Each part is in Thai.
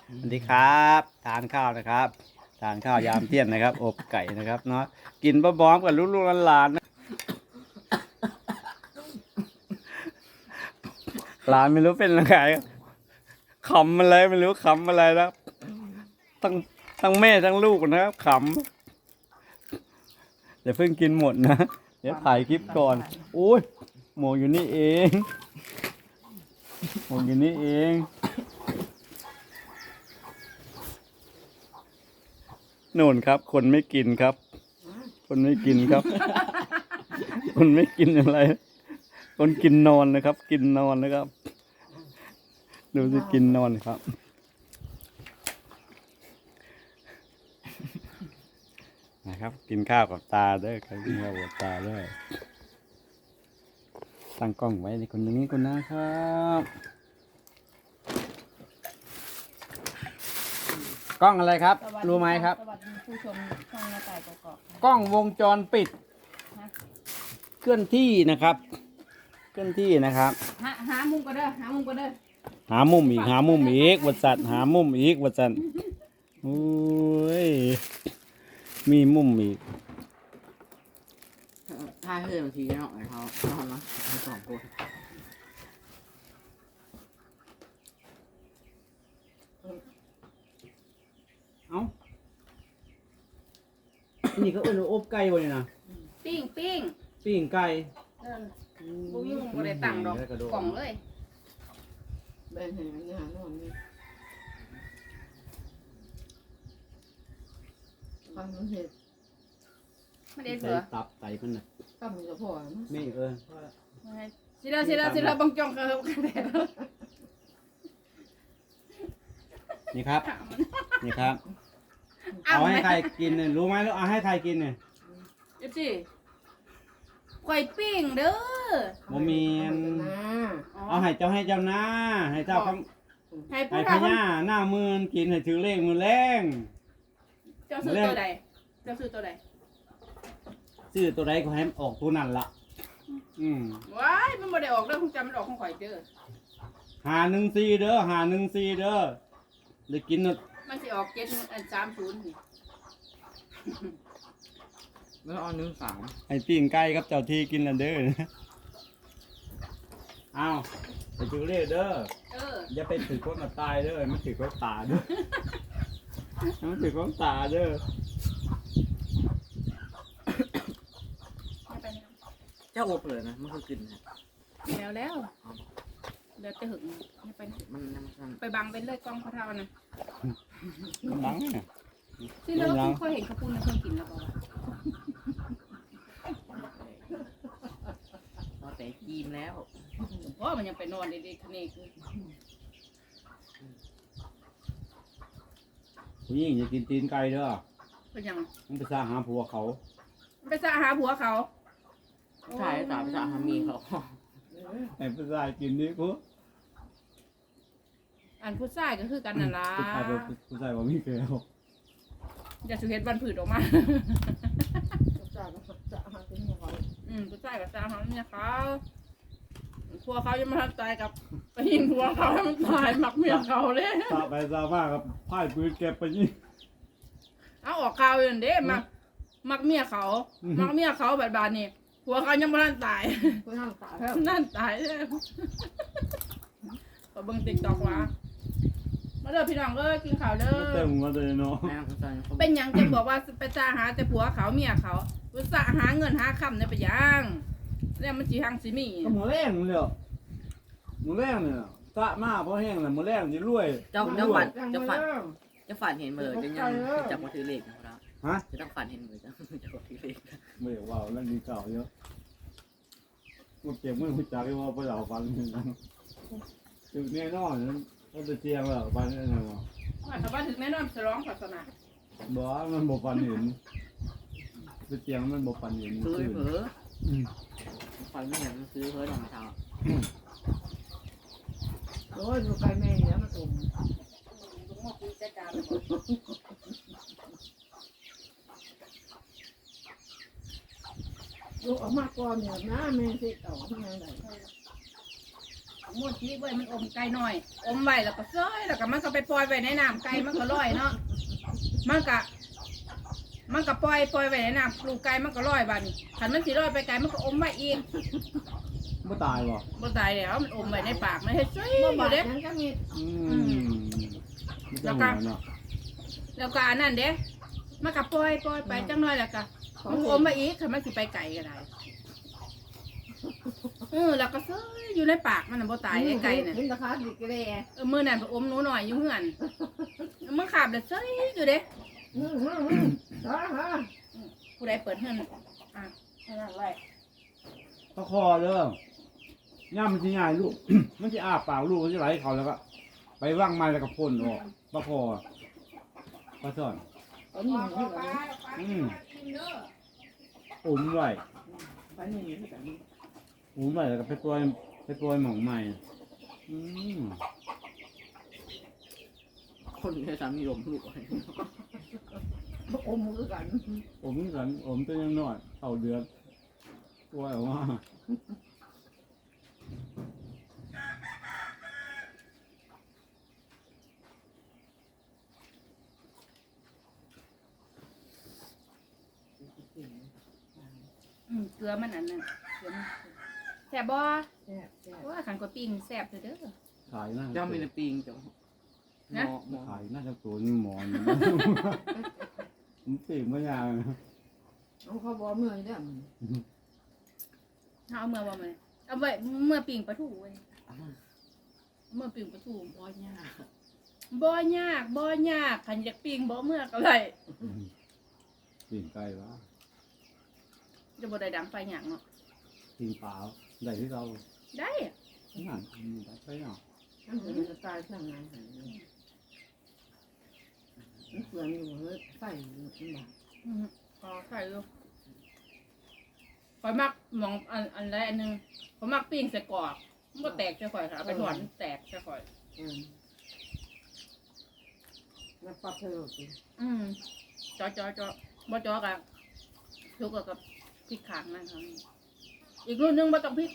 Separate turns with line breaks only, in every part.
สวัสดีครับทานข้าวนะครับทานข้าวยามเที่ยงนะครับอบไก่นะครับเนาะกินพร้อมๆกับลูกๆหลานๆนะหลานไม่รู้เป็นอะไรขำอะไรไม่รู้ขำอะไรนะทั้งแม่ทั้งลูกนะครับขำอย่าเพิ่งกินหมดนะเดี๋ยวถ่ายคลิปก่อนโอ้ยหมวกอยู่นี่เองหมวกอยู่นี่เองนู่นครับ คนไม่กินครับ คนไม่กินครับ คนไม่กินอะไร คนกินนอนนะครับ กินนอนนะครับ ดูสิกินนอนครับนะครับ กินข้าวกับตาด้วยครับกินข้าวกับตาด้วยตั้งกล้องไว้ในคนนี้คนนะครับกล้องอะไรครับ รู้ไหมครับ
สวัสดีผู้ชมช่องหน้าต่ายกอก
กล้องวงจรปิด
ฮะ
เคลื่อนที่นะครับ เคลื่อนที่นะครับ
หามุมก็เด้อหามุมก็เด้อ
หามุมอีกหามุมอีกวัดสัตว์หามุมอีกวัดสัตว์โอ้ยมีมุมอีก
ถ้าเพื่อนบางทีเนาะเขาเอาเนาะทั้งสองคน
เอ้านี่ก็เอิ้นว่าอบไก่บ่นี่นะ
ปิ้งปิ้ง
ปิ้งไก่
เออบุ้งยุ่งบ่ได้ตั้งดอกกล่องเลย
เดินเห็นมันหาโน่นนี่ฟังมันเห็ด
ไม่ได้
ใส่
เสือ
ตับไก่มันน่ะ
ก็มันจะพอนะ
นี่
สิเราบังจองเขากันแต่
นี่ครับ นี่ครับ เอาให้ใครกินเนี่ยรู้ไหมแล้วเอาให้ใครกินเนี่ย
เอฟซีข่อยปิ้งเด้อ
บ่มีอันเอาให้เจ้าหน้าให้เจ้าคำ
ให้
ให้
ผู้
พ
เฒ่า
ญาหน้ามือกินให้ถือเลขมือแรง
เจ้าซื้อตัวใดเจ้าซื้อตัวใด
ซื้อตัวใดก็ให้มันออกตัวนั้นละ
ว้ายมันบ่ได้ออกเด้อคงจำมันออกของข่อยเด้อ
514เด้อ514เด้อได้กินน่ะ
มันสิออก730นี่
แล้วเอา13
ให้ปิ้งไก่ครับเจ้าที่กินน่ะเด้ออ้าวไปถือเลขเด้อ
เออ
อย่าไปถือคนมาตายเด้อมันถือคนตาเด้อมันถือคนตาเด้อ
ไม่ไปนี่
เจ้าอบเลยนะมันคือกินนะ
แล้วเดี๋ยวจะหึงไม่ไปนี่
มัน
ไปบังเป็นเลยกล้องเขาเท่านะ
บังเนี่ย
ที่เราเคยเห็นเขาพูดในเครื่องกินแล้วบอกว่า
พอแต่กินแล้ว
เพราะมันยังไปนอนดีๆนี่คือ
ผู้หญิงอย่ากินตีนไก่เด้อ
เป็นยัง
มันไปสร้างหาผัวเขา
ไปสะหาผัวเขา
ใช่ตาภาษาฮามีเขา
ไอ้ผู้ชายกินนี่กู
อันผู้ชายก็คือกันนั่นล่ะ
ผู้ชายบ่มีแก้ว
อย่าสุเฮ็ดบันผืดออกมา
จะหาเป็นยังไง
ผู้ชายกับสาวเขาเนี่ยเขาผัวเขายังไม่ทันตายกับไปยิงผัวเขาให้มันตายหมักเมียเขาเลย
ตาไปตามาครับพ่ายปืนเก็บไปยิง
เอาออกข่าวอยู่นั่นเด้มักเมียเขามักเมียเขาแบบบานนี่ผัวเขายังไม่ทันตาย
ก็นั่งตาแล้ว
นั่นตายเลยก็เบิ่งติ๊กต็อกว่ามาเด้อพี่น้องเอ้ยกินข้าวเด้
เต็
อ
มมาเลยเนาะ
แม่ผู้ชายเขา
เป็นหยังจะบอกว่าไปจ้าหาแต่ผัวเขาเมียเขาอุตส่าห์หาเงินหาคำในไปยังแล้วมันจีหังสิมี
ก็หมูแรงเลยหมูแรงเนี่ยตะมาเพราะแห้งเลยหมูแรงจะรวย
เจ้าฝันเห็นมือจะยังจับมาถือเลขนะครับ
ฮะ
จะต้องฝันเห็นมือจะจับมาถือเลข
ไม่อยากว่าเรื่องดีเก่าเยอะกูเก็บเงินกูจ่ายว่าไปเอาฟันนึงจุดแน่นอนมันจะเจียงแล้วฟันนี่นะวะ
ว่าชาวบ้านถึงแม่นอนฉลองศาสนา
บ่มันบ่ฟันเห็นจะเจียงมันบ่ฟันเห็น
ซื้อเผลอฝันไม่เห็นซื้อเผลอลองเท้า
โอ้ยดูไก่แม่เนี่ยมันอม
ลุงหมดที่จัดการ
ลูกออกมาก่อนเนี่ยนะแม่สิเต่าทำไงไหน
ม้วนชีไว้มันอมไก่หน่อย อมไว้แล้วก็เซ้ยแล้วก็มันก็ไปปล่อยไว้ในน้ำไก่มันก็ลอยเนาะมันก็ปล่อยไว้ในน้ำปลูกไก่มันก็ลอยบ้านี้ขันมันสิลอยไปไก่มันก็อมไว้อีก
ไม่ตายบ่
บ่ตายแล้วมันอมไว้ในปากมันเฮ็ดเซ้ยอ
บ่
ยู่
บาด
เด้
นั้นก็มี
ไม่ต้องหัวเนาะ
แล้วก็อันนั้นเด้มันก็ปล่อยไปจังน้อยแล้วก็มันอมไว้อีกขันมันสิไปไก่ก็ได้แล้วก็เซ้ยอยู่ในปากมันน่ะบ่ตายไอ้ไก่น่ะ
เห็นราคาดิกระเดะ
มื้อนั้นไปอมหนูหน่อยอยู่เฮือนมันขาบแล้วเซ้ยอยู่เด้ ผู้ใดเปิดเฮือนอ่ะนั่นแหละ
ตะคอเด้อย่ามันสิง่ายลูก มันสิอ้าปากลูกมันสิไหลเขาแล้วก็ ไปว่างไม้แล้วก็พ่นออกตะคอปลาซ่อน
เอาหนึ่งนี่ก่อนนะ
อุ่มไว้
ไปหนึ่งนี่ก่อน
อุ่มไว้แล้วก็ไปปล่อยหม่องใหม่อืม
คนที่สามีลมลูกไว้
อมมือกัน
อมกันอมตัวยังน้อยเท่าเดือนปล่อยออกมา
เกลือมันอันนั้นเกลือมันแซ่บบ่
แซ่บแซ่บ
ว่าขันกว่าปิ้งแซ่บเด้อ
ขายน่า
เจ้ามีในปิงเจ้าหมอ
ขายน่าจะตัวนี่หมอนมันติ่งไม่ยาง
เอาเขาบอกเมื่อยเด้อ
เอาเมื่อบ่มาเอาไว้เมื่อปิ้งปลาทูเว้ยเมื่อปิ้งปลาทูบ่ยากบ่ยากขันอยากปิ้งบ่เมื่อก็ได้
ติ่งไก่วะ
จะบ่ได้ดังไฟหยังเนาะ
ติ่งเปล่าได้ที่เรา
ได้
นั่นได้ไปเนาะ
นั่นคือจะตายทางงานมันเปลืองอยู่เลยใส่มันบาด
อ๋อใส่ลูกข่อยมักหมองอันใดอันหนึงข่อยมักปิ้งใส่กรอกมันบ่แตกใส่ข่อยค่ะเอาไปถอนแตกใส่ข่อย
แล้วปรับเธอสิ
จอบ่จอกะทุกกับพริกขางนั่นครับอีกรุ่นหนึงบ่ต้องพริก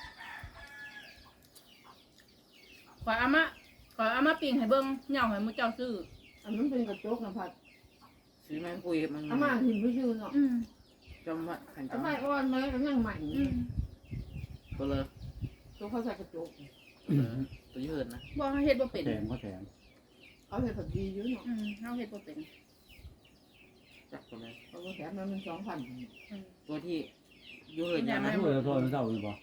ขอยเอามาปิ้งให้เบิ่งเหย่าให้มื้อเจ้าซื้อ
อันนั้นเป็นกระจกนะพัด
ซื้อแมงคุยมัน
อามาหินไม่ยืนเนาะ
จำว่าขัน
เอา
จำ
ไปอ่อนไหมแล้วยังใหม่
ตัวเลย
ตัวเขาใส่กระจก
ตัวยืดนะ
บ่เฮ็ดบ่เป็น
แถมก็แถม
เอาเห็ดผัดดีอยู่เนาะ
เฮาเฮ็ดบ่เป็น
จับตัวเลย
เอาไปแถมมันเป็น2,000
ตัวที่ยืดอย่าง
ไม่
นั้น
ช่วยเราโทษมันเศร้าหรือเปล่า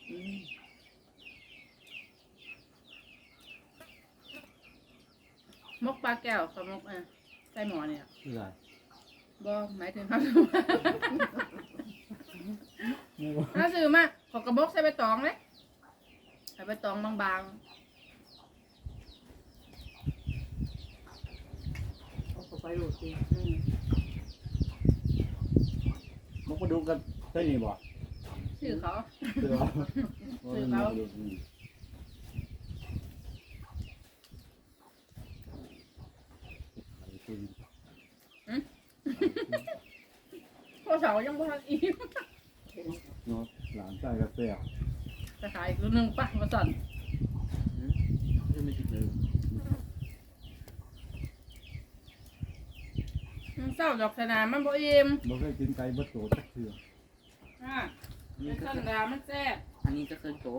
มกปลาแก้วกับมกใส่หม้อเนี่ย
ไม่ได้
บ่หมายถึงเฮา
ไม่ว่า
ถ้าซื้อมาขอกระบอกใส่ใบตองเลยใส่ใบตองบาง
เอาไปโหลดสิ
มันก็ดูกันใช่นี่บ่
ซื้อเขา
เสือ
ซื้อเขา พ่อเสายังบ่ทันอิ่ม
เนาะหลานใจกระเสีย
จะขายอีกรุ่นหนึงป่ะมาสั่น
ยืดไม่ติดเลย
เศร้าดอกสนามมันบ่อิ่ม
เราเคยกินไก่บดโตจักเถื่อ
นี่
เป็น
ก็
สันดามันแซ่บ
อันนี้ก็เคยโต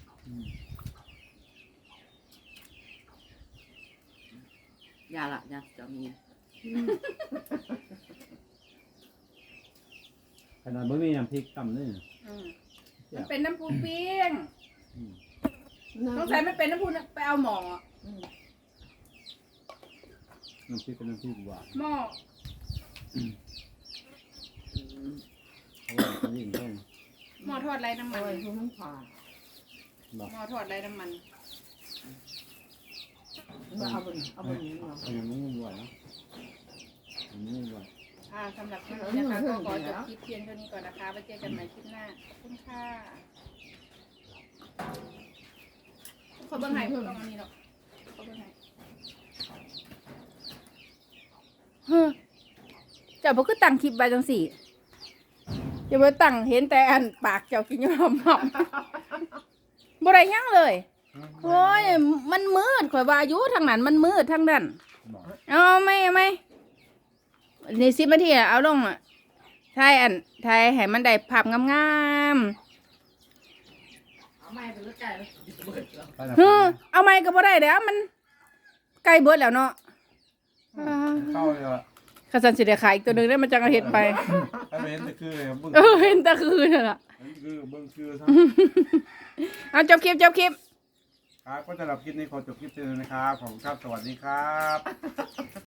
ยาละยาจะมี
ขนาดบ่มีน้ำพริกตำนี่
มันเป็นน้ำปูเปียง
น้
ต้องใส่มันเป็นน้ำปูไปเอาหม้อ
น้ำพริกเป็นน้ำพริกหวาน
หม้อ
เพราะว่าเขายิ่งต้อง
หม้อทอดไร้น้ำ
ำ
มัน
โอ้ยมันผ่า
หลับ
หม้อทอดไร้น้ำมัน
เอาไปนี่เนาะ
อันนี้ไม่ไหวนะอันนี้ไม่ไหว
สำหรับคลิปนี้นะคะก็ขอจบคลิปเพียงเท่านี้ก่อนนะคะไว้เจอกันใหม่คลิปหน้าขอบคุณค่ะขอเบิ้งไห้ต้องอันนี้หรอกขอเบิ้งไห้เจ้าบ่คือตั้งคลิปไว้จังสี่อย่าไปตั้งเห็นแต่อันปากเจ้ากินอยู่หอมๆบ่ได้หยังเลย
อืม
โอ้ยมันมืดข่อยว่าอยู่ทางนั้นมันมืดทางนั้น
บอก
เอาไหม่นี่10 นาทีอะเอาลงอ่ะถ่ายให้มันได้ภาพงาม
เอาไม่เป็นรถไก่เลยเบิดแล้ว
ไปนะ
ๆเอาไม้ก็บ่ได้แล้วมันใกล้เบิดแล้วเนาะ
เข้าเลยอ่ะ
ข้าสันสิได้ขายอีกตัวหนึงได้มันจังเอาเฮ็ดไป
ไปเห็นแต่คือเลยบึ้ง
เห็นแต่คืนนั่นล่ะ
คือบึ้งคือทั้ง
เอาจบคลิป
ครับก็สำหรับคลิปนี้ขอจบคลิปเพียงเท่านี้นะครับขอบคุณครับสวัสดีครับ